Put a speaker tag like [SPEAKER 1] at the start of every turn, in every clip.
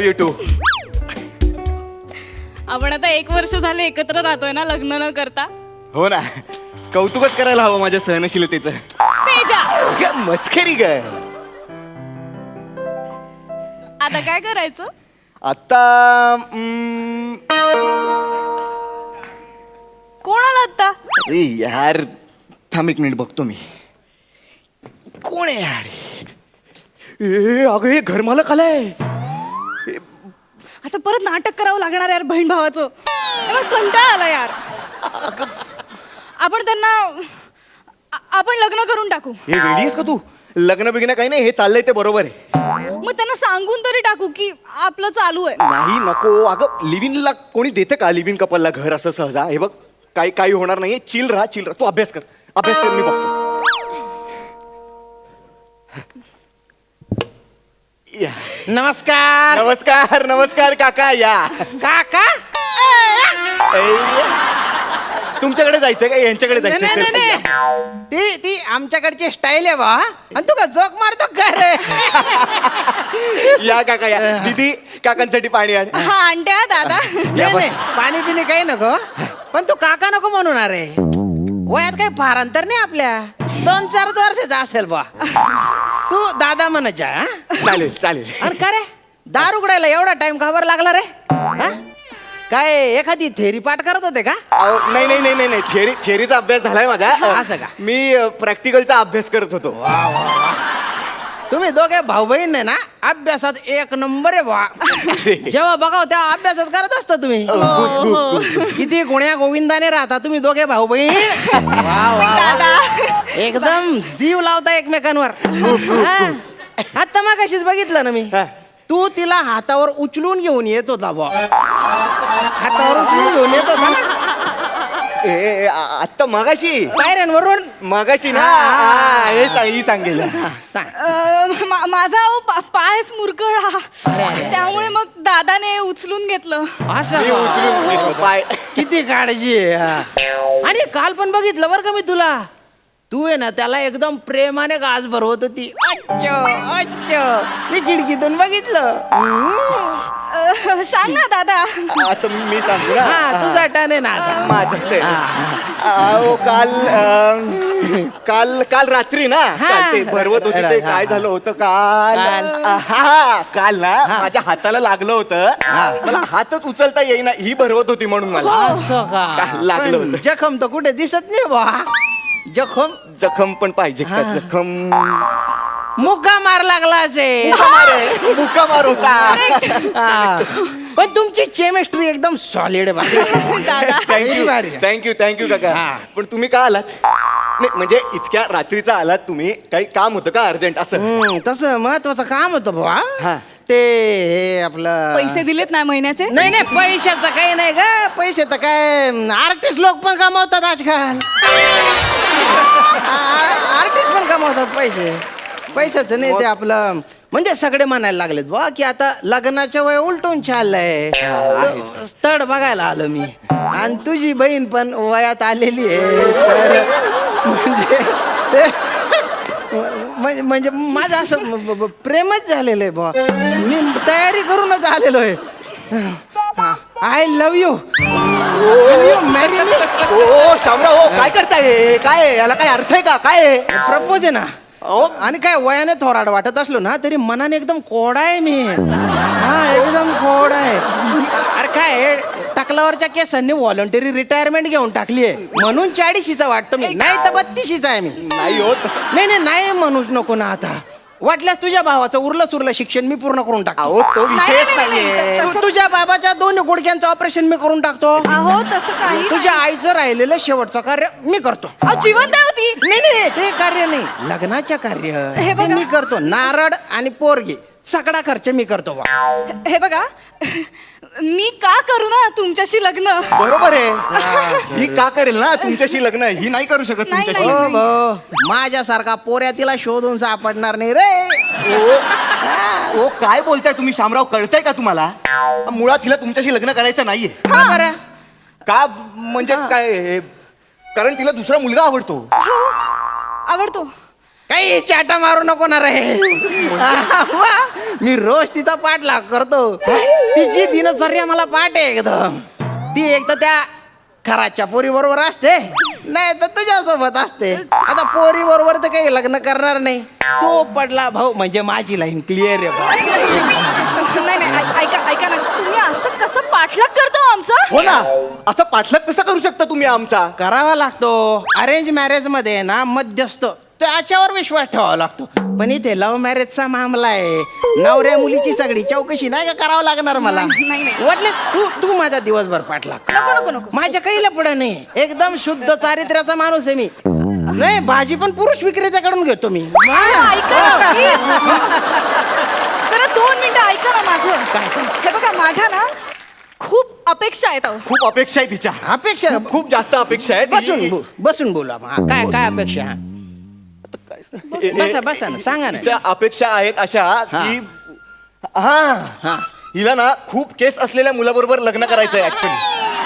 [SPEAKER 1] Love you to.
[SPEAKER 2] आपण आता 1 वर्ष झाले एकत्र राहतोय ना, लग्न न करता.
[SPEAKER 1] हो ना, कौतुकच करायला हवं माझ्या सहनशीलतेचं.
[SPEAKER 2] तेजा,
[SPEAKER 1] मस्करी काय.
[SPEAKER 2] आता काय करायचं?
[SPEAKER 1] आता
[SPEAKER 2] कोण आला आता?
[SPEAKER 1] अरे यार, थांब 1 मिनिट बघतो मी. कोण आहे यार? अगं हे घरमालक आलाय.
[SPEAKER 2] आता परत नाटक करावं लागणार यार बहीण भावाचं. मला कंटाळा आला यार. आपण लग्न करून टाकू.
[SPEAKER 1] हे वेडी आहेस का तू? लग्न बिग्न काही नाही, हे चाललंय ते बरोबर आहे.
[SPEAKER 2] मग त्यांना सांगून तरी टाकू की आपलं चालू आहे.
[SPEAKER 1] नाही नको. अगं लिव्हिंगला कोणी देतं का लिव्हिंग कपलला घर असं सहजा? हे बघ, काही होणार नाहीये. चिल राहा. तू अभ्यास कर, मी बघतो. या.
[SPEAKER 3] नमस्कार.
[SPEAKER 1] नमस्कार नमस्कार काका. या
[SPEAKER 3] काका.
[SPEAKER 1] तुमच्याकडे जायचं का यांच्याकडे
[SPEAKER 3] नाही
[SPEAKER 1] जायचं?
[SPEAKER 3] नाही नाही, ती आमच्याकडची स्टाईल आहे बा. आणि तू का जोक मारतो का रे?
[SPEAKER 1] या काका या. दीदी काकांसाठी पाणी आण.
[SPEAKER 2] हा आणते हा दादा.
[SPEAKER 3] नाही नाही, पाणी पिणे काही नको. पण तू काका नको म्हणून. अरे वयात काही फार अंतर नाही आपल्या. 2-4 वर्षाचा असेल बा. तू दादा म्हणायच्या.
[SPEAKER 1] चालेल चालेल.
[SPEAKER 3] अरे का रे, दार उघडायला एवढा टाइम का बरं लागला रे? हा? काय एखादी थेरी पाठ करत होते का?
[SPEAKER 1] नाही थिअरीचा अभ्यास झालाय माझा.
[SPEAKER 3] असं का?
[SPEAKER 1] मी प्रॅक्टिकलचा अभ्यास करत होतो.
[SPEAKER 3] तुम्ही दोघे भाऊ बहीण आहे ना, अभ्यासात 1 नंबर आहे बा. जेव्हा बघाव तेव्हा अभ्यासच करत असता तुम्ही. किती गुण्या गोविंदाने राहता तुम्ही दोघे भाऊ बहीण.
[SPEAKER 2] दादा.
[SPEAKER 3] एकदम जीव लावता एकमेकांवर. आता मग कशीच बघितलं ना मी, तू तिला हातावर उचलून घेऊन येत होता बा. हातावर उचलून घेऊन येत होता ना
[SPEAKER 1] आत्ता मगाशी
[SPEAKER 3] पायऱ्यांवरून.
[SPEAKER 1] मगाशी ना. ही सांगेल.
[SPEAKER 2] माझा पायच मुरगळा, त्यामुळे मग दादाने उचलून घेतलं.
[SPEAKER 1] मी
[SPEAKER 3] असं
[SPEAKER 1] उचलून घेतलं पाय.
[SPEAKER 3] किती काळजी आहे. आणि काल पण बघितलं बरं का मी तुला. तू आहे ना त्याला एकदम प्रेमाने गाज भरवत होती. मी खिडकीतून बघितलं.
[SPEAKER 2] सांग ना दादा.
[SPEAKER 1] आता मी सांगू ना.
[SPEAKER 3] हा, तुझा टर्न आहे ना आता.
[SPEAKER 1] माझं ते काल रात्री ना, काल ते भरवत होती ते काय झालं होतं काल ना माझ्या हाताला लागलं होतं. मला हातच उचलता येईना, ही भरवत होती म्हणून मला
[SPEAKER 3] असं का?
[SPEAKER 1] काल लागलं
[SPEAKER 3] पण
[SPEAKER 1] होतं.
[SPEAKER 3] जखम तर कुठे दिसत नाही बा.
[SPEAKER 1] जखम पण पाहिजे का? जखम
[SPEAKER 3] मुक्का मार लागला असे.
[SPEAKER 1] मुक्का मार होता.
[SPEAKER 3] पण तुमची केमिस्ट्री एकदम सॉलिड आहे.
[SPEAKER 1] थँक्यू काका. पण तुम्ही का आलात? नाही म्हणजे इतक्या रात्रीचा आलात तुम्ही, काही काम होतं का अर्जंट असं?
[SPEAKER 3] तसं महत्वाचं काम होतं बुवा. ते हे आपलं
[SPEAKER 2] पैसे दिलेत ना महिन्याचे?
[SPEAKER 3] नाही पैशाचं काही नाही ग. पैसे तर काय आर्टिस्ट लोक पण कमावतात आजकाल. आर्टिस्ट पण कमावतात पैशाचं नाही. ते आपलं म्हणजे सगळे म्हणायला लागलेत बुवा की आता लग्नाच्या वय उलटून चाललंय. स्थळ बघायला आलो मी. आणि तुझी बहीण पण वयात आलेली आहे. तर म्हणजे माझं असं प्रेमच झालेलं आहे बुवा. मी तयारी करूनच आलेलो आहे. I love you. Marry me.
[SPEAKER 1] ओ शामराव, काय करताय? काय याला काय अर्थ आहे का? काय
[SPEAKER 3] प्रपोज आहे ना. आणि काय वयाने थोराड वाटत असलो ना तरी मनाने एकदम कोडा आहे मी. हा, एकदम कोडा आहे. अरे काय टकलावरच्या केसांनी व्हॉलंटरी रिटायरमेंट घेऊन टाकली आहे म्हणून 40शीचा वाटतो मी. नाही तर 32शीचा आहे मी.
[SPEAKER 1] नाही हो तसं.
[SPEAKER 3] नाही म्हणूच नको ना. आता वाटल्यास तुझ्या भावाचं उरलं शिक्षण मी पूर्ण करून टाकतो.
[SPEAKER 1] अहो तो विषयच नाहीये.
[SPEAKER 3] तुझ्या बाबाच्या 2 गुडघ्यांचं ऑपरेशन मी करून टाकतो.
[SPEAKER 2] अहो तसं काही
[SPEAKER 3] तुझ्या आईचं राहिलेलं शेवटचं कार्य मी करतो.
[SPEAKER 2] जिवंत आहे होती.
[SPEAKER 3] नाही ते कार्य नाही, लग्नाच्या कार्य
[SPEAKER 2] हे बघा.
[SPEAKER 3] ते मी करतो. नारळ आणि पोरगी सगळा खर्च मी करतो बा.
[SPEAKER 2] हे बघा, मी का करू ना तुमच्याशी लग्न?
[SPEAKER 1] बरोबर आहे. ही का करेल ना तुमच्याशी लग्न? ही नाही करू शकत
[SPEAKER 2] नाही,
[SPEAKER 1] तुमच्याशी.
[SPEAKER 2] नाही.
[SPEAKER 3] हो, माझ्यासारखा पोऱ्या तिला शोधून सापडणार नाही रे.
[SPEAKER 1] ओ काय बोलताय तुम्ही शामराव? कळतंय का तुम्हाला? मुळात हिला तुमच्याशी लग्न करायचं नाहीये.
[SPEAKER 3] का बरं?
[SPEAKER 1] का म्हणजे काय? कारण तिला दुसरा मुलगा आवडतो.
[SPEAKER 2] आवडतो.
[SPEAKER 3] काही चाटा मारू नको ना रे. मी रोज तिचा पाठलाग करतो. तिची दिनचर्या मला पाठ आहे एकदम. ती एक तर त्या खराच्या पोरी बरोबर असते, नाही तर तुझ्यासोबत असते. आता पोरी बरोबर तर काही लग्न करणार नाही. तो पडला भाऊ म्हणजे माझी लाईन क्लिअर आहे भाऊ.
[SPEAKER 2] नाही नाही ऐका ना, तुम्ही असं कसं पाठलाग करतो आमचा?
[SPEAKER 1] हो ना, असं पाठलाग कसं करू शकता तुम्ही आमचा?
[SPEAKER 3] करावा लागतो. अरेंज मॅरेज मध्ये ना मध्यस्थ त्याच्यावर विश्वास ठेवावा लागतो. पण इथे लव्ह मॅरेजचा मामला आहे. नवऱ्या मुलीची सगळी चौकशी नाही का करावं लागणार मला.
[SPEAKER 2] नाही.
[SPEAKER 3] वाटलेस तू माझा दिवसभर पाठलाग.
[SPEAKER 2] नको.
[SPEAKER 3] माझ्या काही लफडं नाही. एकदम शुद्ध चारित्र्याचा माणूस आहे मी. नाही, भाजी पण पुरुष विक्रेत्याकडून घेतो मी.
[SPEAKER 2] ऐका ना, please. जरा 2 मिनिटं ऐका ना माझं.
[SPEAKER 3] काय?
[SPEAKER 2] हे बघा, माझ्या ना खूप अपेक्षा आहेत अहो.
[SPEAKER 1] खूप अपेक्षा आहे तिच्या.
[SPEAKER 3] अपेक्षा
[SPEAKER 1] खूप जास्त अपेक्षा आहे.
[SPEAKER 3] बसून बोला. काय अपेक्षा? बसा ना, सांगा ना.
[SPEAKER 1] तिच्या अपेक्षा आहेत अशा की हा हिला ना खूप केस असलेल्या मुलाबरोबर लग्न करायचंय ऍक्च्युली.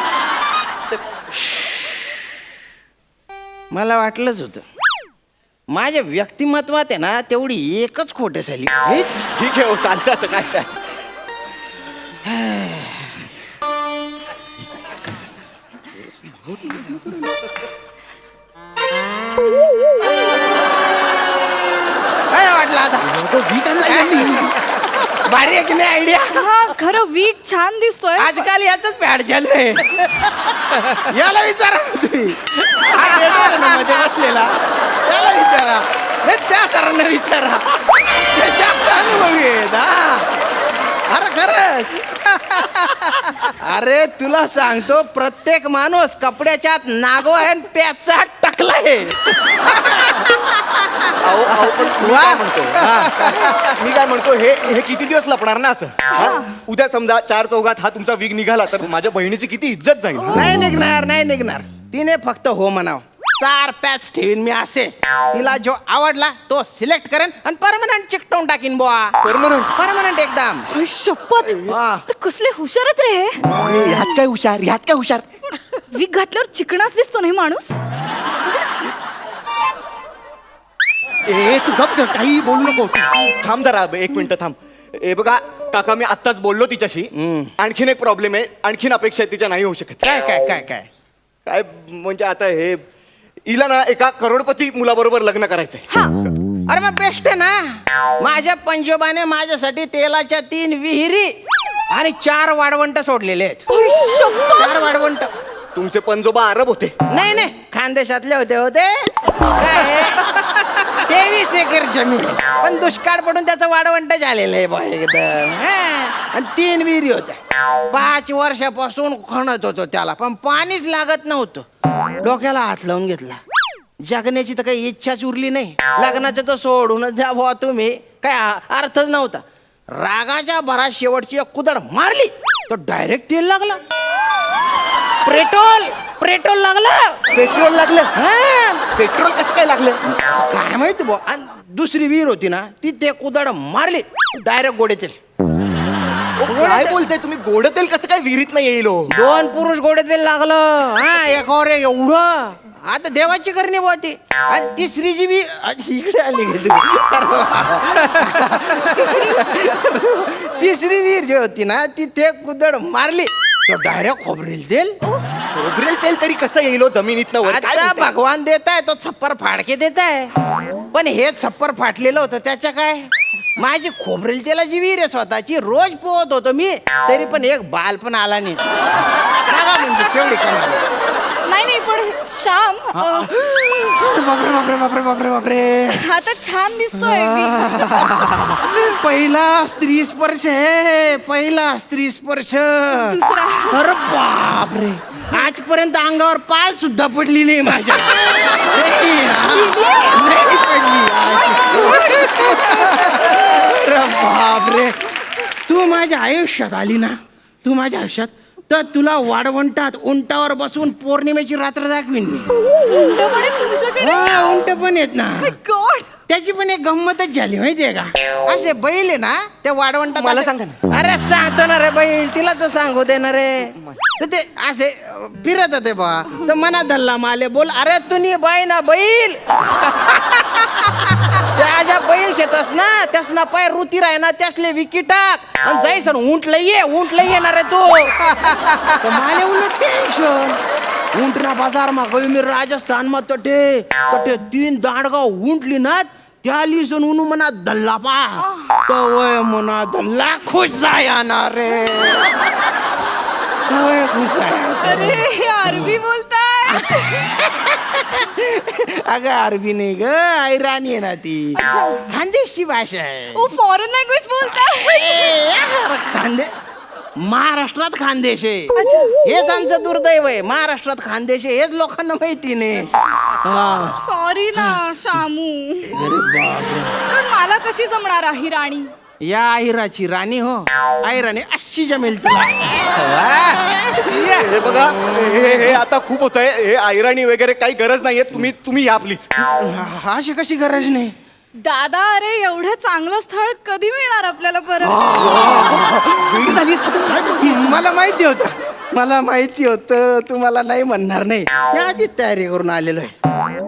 [SPEAKER 3] मला वाटलंच होतं. माझ्या व्यक्तिमत्वात आहे ना तेवढी एकच खोटे झाली.
[SPEAKER 1] ठीक आहे, हो चालतं आता काय.
[SPEAKER 3] काय वाटलं आता? भारी आहे की नाही आयडिया?
[SPEAKER 2] हा, खरं वीक छान दिसतोय.
[SPEAKER 3] आजकाल याच पॅड झालंय. याला विचारा ना तुम्ही. हा theater ना मध्ये बसलेला त्याला विचारा. नाही, त्या सरांना विचारा. ते जास्त अनुभवी आहेत. अरे खरंच. अरे तुला सांगतो, प्रत्येक माणूस कपड्याच्या आत नागो आहे आणि प्याचा टाकला आहे.
[SPEAKER 1] मी काय म्हणतो, हे किती दिवस लपणार ना असं? उद्या समजा 4 चौघात हा तुमचा विग निघाला तर माझ्या बहिणीची किती इज्जत जाईल.
[SPEAKER 3] नाही निघणार. तिने फक्त हो म्हणाव. 4 पॅच ठेवीन मी असे. तिला जो आवडला तो सिलेक्ट करेन आणि परमनंट चिकटवून टाकीन बुवा. परमनंट एकदम.
[SPEAKER 2] अरे, शपथ.
[SPEAKER 3] वा.
[SPEAKER 2] अरे, कसले हुशार आहेत रे हे.
[SPEAKER 1] ह्यात काय हुशार.
[SPEAKER 2] वीक घातल्यावर चिकणाच दिसतो नाही माणूस.
[SPEAKER 1] तू गप काही बोलू नको. थांब जरा 1 मिनिट थांब. बघा काका, मी आत्ताच बोललो तिच्याशी. आणखीन एक प्रॉब्लेम आहे. आणखीन अपेक्षा आहे तिच्या नाही होऊ शकत. काय म्हणजे आता हे हिला ना एका करोडपती मुलाबरोबर लग्न करायचंय.
[SPEAKER 3] अरे मग बेस्ट आहे ना. माझ्या पंजोबाने माझ्यासाठी तेलाच्या 3 विहिरी आणि 4 वाढवंट सोडलेले आहेत.
[SPEAKER 2] अरे, शपथ.
[SPEAKER 3] 4 वाढवंट.
[SPEAKER 1] तुमचे पंजोबा अरब होते?
[SPEAKER 3] नाही, खानदेशातले होते. काय 23 एकर जमीन, पण दुष्काळ पडून त्याचं वाढवंट झालेलं आहे बा एकदम. आणि 3 विहिरी होत्या. 5 वर्षापासून खणत होतो त्याला, पण पाणीच लागत नव्हतं. डोक्याला हात लावून घेतला. जगण्याची तर काही इच्छाच उरली नाही. लग्नाचं तर सोडूनच द्या भावा तुम्ही. काय अर्थच नव्हता. रागाच्या भरात शेवटची एक कुदळ मारली तो डायरेक्ट तेल लागला. पेट्रोल लागलं.
[SPEAKER 1] पेट्रोल कसं काय लागलं
[SPEAKER 3] काय माहिती बुवा. आणि दुसरी विहीर होती ना, ती ते कुदळ मारली डायरेक्ट गोडे तेल.
[SPEAKER 1] काय बोलताय तुम्ही? गोड तेल कसं काय विहिरीत नाही येईल?
[SPEAKER 3] 2 पुरुष गोडे तेल लागलं. एकावर एक एवढं. आता देवाची करणी बुवा ती. आणि तिसरी जी बी इकडे आली. तिसरी विहीर जी होती ना, ती ते कुदळ मारली तो डायरेक्ट खोबरेल तेल
[SPEAKER 1] तरी कसं येईल जमिनीतनं वर?
[SPEAKER 3] आता भगवान देताय तो छप्पर फाडके देताय. पण हे छप्पर फाटलेलं होतं त्याच्या काय. माझी खोबरेल तेलाची विहीर आहे स्वतःची. रोज पोहत होतो मी, तरी पण एक बाल पण आला नाही. म्हणजे केवढी कमाल.
[SPEAKER 2] नाही पण श्याम,
[SPEAKER 3] बापरे.
[SPEAKER 2] आता छान दिसतोय.
[SPEAKER 3] पहिला स्त्री स्पर्श आहे.
[SPEAKER 2] दुसरा.
[SPEAKER 3] अरे बापरे, आजपर्यंत अंगावर पाल सुद्धा पडली नाही माझ्या. नाही पडली. अरे बापरे, तू माझ्या आयुष्यात आली ना, तर तुला वाढवंटात उंटावर बसून पौर्णिमेची रात्र दाखवीन मी. उंट पण येत ना.
[SPEAKER 2] गॉड,
[SPEAKER 3] त्याची पण एक गंमतच झाली माहितीये का. असे बैल आहे ना त्या वाढवंटात.
[SPEAKER 1] मला सांगा ना.
[SPEAKER 3] अरे सांगतो ना रे बैल, तिला तर सांगू दे ना रे. तर ते असे फिरत होते बा. तर मनात धरला माले बोल, अरे तुम्ही बाई ना बैल. त्या बैल शेतस ना त्यास ना पाय रुती राय ना त्यासले विकी टाक आणि जाई सर ऊंट लई येणार आहे तू तर माले उलट टेन्शन ऊंटना बाजार मा गई मी राजस्थान मा तटे 3 दांडगाव ऊंटली ना त्या लिसून उनु मना दल्ला पा तवय मना दल्ला खुश जाणार रे तवय खुश आहे
[SPEAKER 2] अरे अरबी बोलताय.
[SPEAKER 3] अगं अरबी नाही ग ऐराणी आहे ना ती
[SPEAKER 2] अच्छा.
[SPEAKER 3] खानदेशी भाषा आहे
[SPEAKER 2] ओ फॉरेन लँग्वेज बोलताय.
[SPEAKER 3] खानदे महाराष्ट्रात खानदेश आहे
[SPEAKER 2] अच्छा.
[SPEAKER 3] हेच आमचं दुर्दैव आहे महाराष्ट्रात खानदेश आहे हेच लोकांना माहिती नाही हा.
[SPEAKER 2] सॉरी ना शामू. पण मला कशी जमणार आहे राणी.
[SPEAKER 3] या आहिराची राणी हो आहिराणी अशी जमेल तुला
[SPEAKER 1] हे बघा हे आता खूप होत आहे हे आयराणी वगैरे काही गरज नाहीये तुम्ही या प्लीज.
[SPEAKER 3] अशी कशी गरज नाही
[SPEAKER 2] दादा अरे एवढं चांगलं स्थळ कधी मिळणार आपल्याला परत.
[SPEAKER 3] मला माहिती होतं तुम्हाला नाही म्हणणार नाही या आधीच तयारी करून आलेलो आहे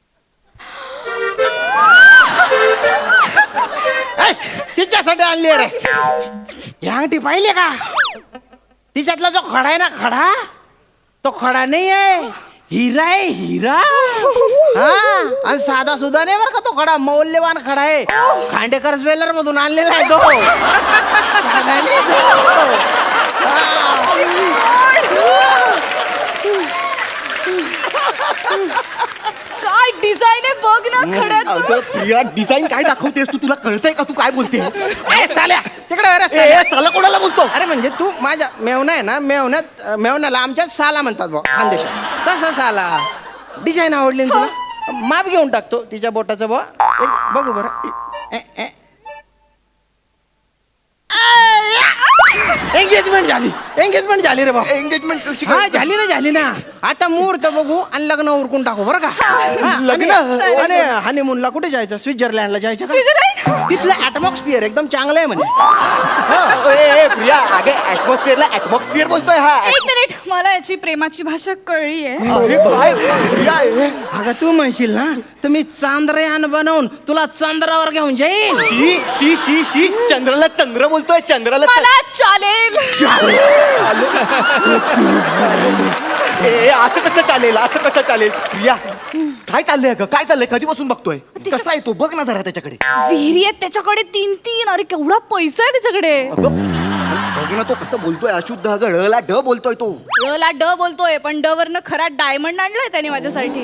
[SPEAKER 3] तिच्यासाठी आणली रे या अंगठी पाहिले का तिच्यातला जो खडा आहे ना खडा तो खडा नाही आहे हिरा आहे हिरा हा आणि साधा सुद्धा नाही बरं का तो खडा मौल्यवान खडा आहे खांडेकर ज्वेलर मधून आणलेला आहे तो साधा नाही तो.
[SPEAKER 2] काय डिझाईन आहे बघ ना खड्याचं.
[SPEAKER 1] प्रिया डिझाईन काय दाखवतेस तू तुला कळतंय का तू काय बोलतेस.
[SPEAKER 3] तिकडे
[SPEAKER 1] साला कोणाला बोलतो.
[SPEAKER 3] अरे म्हणजे तू माझ्या मेवना आहे ना मेवण्याला आमच्या साला म्हणतात भाऊ खानदेशात तसा साला डिझाईन आवडली ना तुला माप घेऊन टाकतो तिच्या बोटाचं भाऊ बघू बरं एंगेजमेंट झाली रे भाऊ
[SPEAKER 1] एंगेजमेंट
[SPEAKER 3] हा झाली ना आता मुहूर्त बघू आणि लग्न उरकून टाकू बरं का हा,
[SPEAKER 1] लग्न?
[SPEAKER 3] आणि हनीमूनला कुठे जायचं स्वित्झर्लंडला जायचं का?
[SPEAKER 2] स्वित्झर्लंड?
[SPEAKER 3] तिथलं ऍटमॉस्फिअर एकदम चांगलं आहे म्हणे
[SPEAKER 1] प्रिया अगे ऍटमॉस्फिअर बोलतोय हा.
[SPEAKER 2] एक मिनिट मला याची प्रेमाची भाषा कळली आहे.
[SPEAKER 1] अरे काय प्रिया
[SPEAKER 3] अगं तू म्हणशील ना तुम्ही चांद्रयान बनवून तुला चंद्रावर घेऊन जाईन
[SPEAKER 1] शी शी शी शी चंद्राला चंद्र बोलतोय चंद्राला
[SPEAKER 2] मला चालेल.
[SPEAKER 1] असं कसं चालेल प्रिया काय चाललंय ग काय चाललंय कधीपासून बघतोय कसा आहे तो बघ ना जरा त्याच्याकडे.
[SPEAKER 2] विहिरी आहेत त्याच्याकडे 3 अरे केवढा पैसा आहे त्याच्याकडे.
[SPEAKER 1] बघ ना तो कसं बोलतोय अशुद्ध अगं ळला ड बोलतोय तो.
[SPEAKER 2] ला ड बोलतोय पण ड वरनं खरा डायमंड आणलाय त्याने माझ्यासाठी.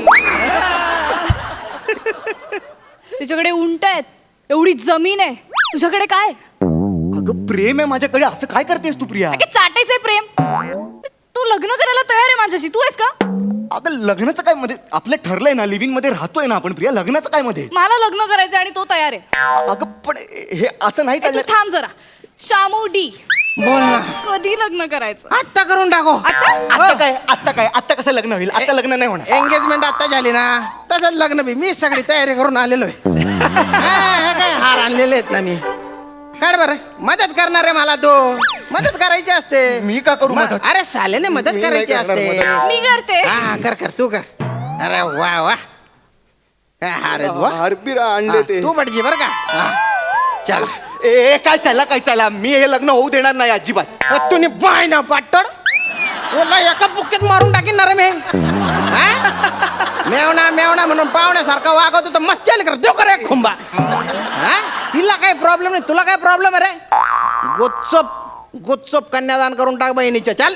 [SPEAKER 2] त्याच्याकडे उंट आहेत एवढी जमीन आहे तुझ्याकडे काय.
[SPEAKER 1] अगं प्रेम आहे माझ्याकडे असं काय करतेस तू प्रिया.
[SPEAKER 2] चाटायचंय प्रेम. तू लग्न करायला तयार आहे माझ्याशी तू आहेस का.
[SPEAKER 1] अगं लग्नाचं काय मध्ये आपलं ठरलंय ना लिव्हिंग मध्ये राहतोय ना आपण प्रिया लग्नाचं काय मध्ये.
[SPEAKER 2] मला लग्न करायचंय आणि तो तयार आहे.
[SPEAKER 1] अगं पण हे असं नाही
[SPEAKER 2] तू
[SPEAKER 1] चाललं.
[SPEAKER 2] थांब जरा. शामू डी
[SPEAKER 3] बोल ना
[SPEAKER 2] कधी लग्न करायचं.
[SPEAKER 3] आत्ता करून टाको
[SPEAKER 1] आता कसं लग्न होईल आता लग्न नाही होणार.
[SPEAKER 3] एंगेजमेंट आता झाली ना तसंच लग्न बी मी सगळी तयारी करून आलेलो आहे काय हार आणलेले आहेत ना मी काढ बरं मदत करणार आहे मला तू मदत करायची असते
[SPEAKER 1] मी का करू मदत?
[SPEAKER 3] अरे सालेने मदत
[SPEAKER 1] मी
[SPEAKER 3] करायची
[SPEAKER 1] नाही करणार
[SPEAKER 3] असते
[SPEAKER 1] मदत.
[SPEAKER 2] मी करते.
[SPEAKER 3] हा कर तू कर अरे वा वा काय हार आहेत बुवा.
[SPEAKER 1] हारबीर आणले ते.
[SPEAKER 3] तू पडजी बरं का हा. चल
[SPEAKER 1] ए काय चाला मी हे लग्न होऊ देणार नाही अजिबात.
[SPEAKER 3] तुम्ही बाय ना पाटड तुला एका बुक्केत मारून टाकीन ना रे मी हा? मेवणा म्हणून पाहुण्यासारखा वागवतो तर मस्ती आली कर देऊ कर एक खुंबा हा? तिला काही प्रॉब्लेम नाही तुला काय प्रॉब्लेम आहे रे गोच्चप कन्यादान करून टाक बहिणीच्या चल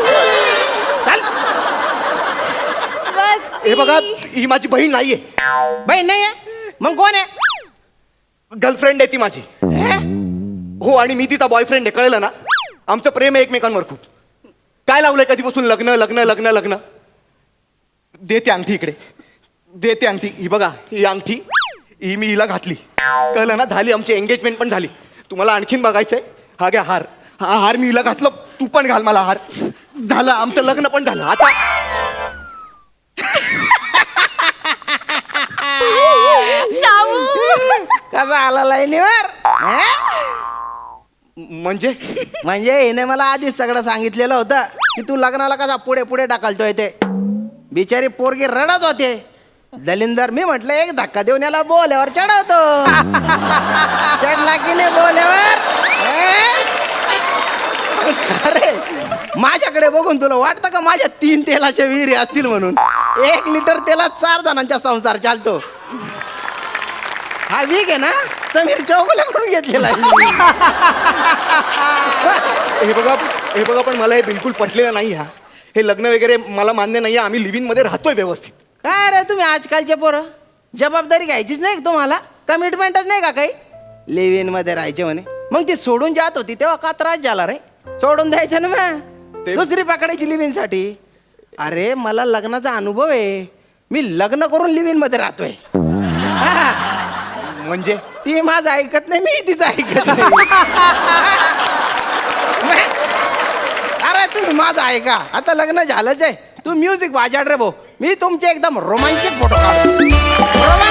[SPEAKER 1] हे बघा ही माझी बहीण नाहीये
[SPEAKER 3] बहीण नाही आहे मग कोण आहे
[SPEAKER 1] गर्लफ्रेंड आहे ती माझी. हो आणि मी तिचा बॉयफ्रेंड आहे कळलं ना. आमचं प्रेम आहे एकमेकांवर खूप. काय लावलंय कधीपासून लग्न लग्न लग्न लग्न. देते अंगठी इकडे देते अंगठी ही बघा ही अंगठी ही मी हिला घातली कळलं ना. झाली आमची एंगेजमेंट पण झाली. तुम्हाला आणखीन बघायचंय हा घ्या हार हा हार मी हिला घातलं तू पण घाल मला हार. झालं आमचं लग्न पण झालं आता.
[SPEAKER 2] शामू
[SPEAKER 3] कसा आला लाईनीवर
[SPEAKER 1] म्हणजे
[SPEAKER 3] हिने मला आधीच सगळं सांगितलेलं होतं की तू लग्नाला कसा पुढे ढकलतोय ते बिचारी पोरगी रडत होते दलिंदर मी म्हटलं एक धक्का देऊन याला बोल्यावर चढवतो. चढला की नाही बोल्यावर? अरे माझ्याकडे बघून तुला वाटतं का माझ्या 3 तेलाच्या विहिरी असतील म्हणून? 1 लिटर तेलात 4 जणांचा संसार चालतो. हा वीक आहे ना समीर चौगुल्याकडून घेतलेला आहे.
[SPEAKER 1] हे बघा पण मला हे बिलकुल पटलेलं नाही. हा हे लग्न वगैरे मला मान्य नाही. आम्ही लिव्हिंग मध्ये राहतोय व्यवस्थित.
[SPEAKER 3] काय रे तुम्ही आजकालचे पोरं जबाबदारी घ्यायचीच नाही का तुम्हाला? कमिटमेंटच नाही का काही? लिव्हिंग मध्ये राहायचे म्हणे, मग ती सोडून जात होती तेव्हा का त्रास झाला रे? सोडून द्यायचं ना मग, दुसरी पकडायची लिव्हिंग साठी. अरे मला लग्नाचा अनुभव आहे. मी लग्न करून लिव्हिंग मध्ये राहतोय. हा.
[SPEAKER 1] म्हणजे
[SPEAKER 3] ती माझं ऐकत नाही, मी तिचं ऐकत नाही. अरे तुम्ही माझं ऐका, आता लग्न झालंच आहे. तू म्युझिक वाजव रे भाऊ, मी तुमचे एकदम रोमांचक फोटो काढतो.